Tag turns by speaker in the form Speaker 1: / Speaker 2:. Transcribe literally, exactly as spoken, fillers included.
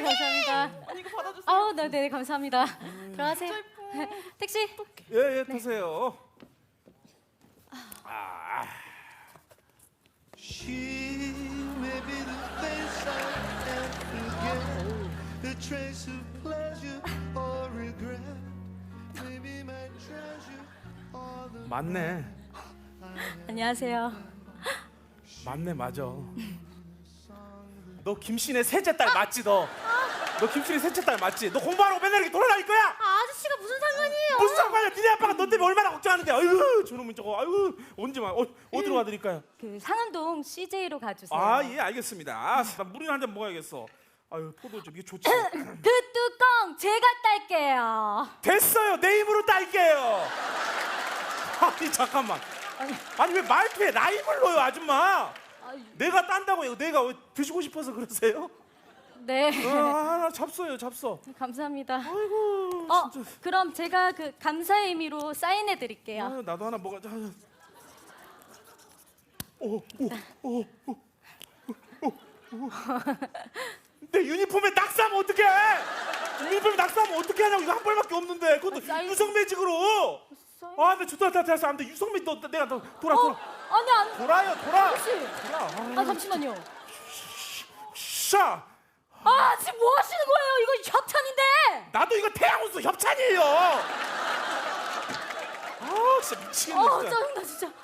Speaker 1: 감사합니다.
Speaker 2: 언니 이거 받아주세요.
Speaker 1: 아우, 네, 네, 감사합니다. 들어가세요. 택시.
Speaker 3: 예, 예, 타세요. 아.
Speaker 4: She may be the face I can't forget, a trace of pleasure or regret. Maybe my treasure or the
Speaker 3: 맞네.
Speaker 1: 안녕하세요.
Speaker 3: 맞네, 맞아. 너 김신의 셋째 딸 맞지, 너? 너 김신의 셋째 딸 맞지? 너 공부하라고 맨날 이렇게 돌아다닐 거야?
Speaker 1: 아, 아저씨가 무슨 상관이에요?
Speaker 3: 무슨 상관이야? 니네 아빠가 너 때문에 얼마나 걱정하는데. 아유, 저놈은 저거. 아유, 언제 와? 어, 어디로 가드릴까요?
Speaker 1: 그 상암동 씨제이로 가주세요.
Speaker 3: 아, 예, 알겠습니다. 아, 나 물이나 한 잔 먹어야겠어. 아유, 포도 좀 이게 좋지.
Speaker 1: 그 뚜껑 제가 딸게요.
Speaker 3: 됐어요. 내 입으로 딸게요. 아니, 잠깐만. 아니, 왜 말투에 라임을 넣어요, 아줌마?
Speaker 1: 아유.
Speaker 3: 내가 딴다고요. 내가 왜 드시고 싶어서 그러세요?
Speaker 1: 네.
Speaker 3: 아, 잡숴요, 잡숴.
Speaker 1: 감사합니다.
Speaker 3: 아이고,
Speaker 1: 어,
Speaker 3: 진짜.
Speaker 1: 그럼 제가 그 감사의 의미로 사인해 드릴게요.
Speaker 3: 아유, 나도 하나 먹어자. 오, 오, 오, 오, 오, 오. 내 유니폼에 낙서하면 어떡해? 유니폼에 낙서하면 어떻게 하냐고. 이거 한 벌밖에 없는데. 그것도
Speaker 1: 사인-
Speaker 3: 유성 매직으로.
Speaker 1: 사인-
Speaker 3: 아, 나 좋다, 좋다, 됐어. 안 돼. 유성 매직, 너, 내가 너 돌아,
Speaker 1: 어,
Speaker 3: 돌아.
Speaker 1: 아니 안.
Speaker 3: 돌아요, 돌아.
Speaker 1: 아저씨.
Speaker 3: 돌아.
Speaker 1: 아, 잠시만요.
Speaker 3: 샤.
Speaker 1: 아, 지금 뭐 하시는 거예요? 이거 협찬인데.
Speaker 3: 나도 이거 태양호수 협찬이에요. 아, 진짜 미치겠네.
Speaker 1: 어,
Speaker 3: 진짜.
Speaker 1: 짜증나 진짜.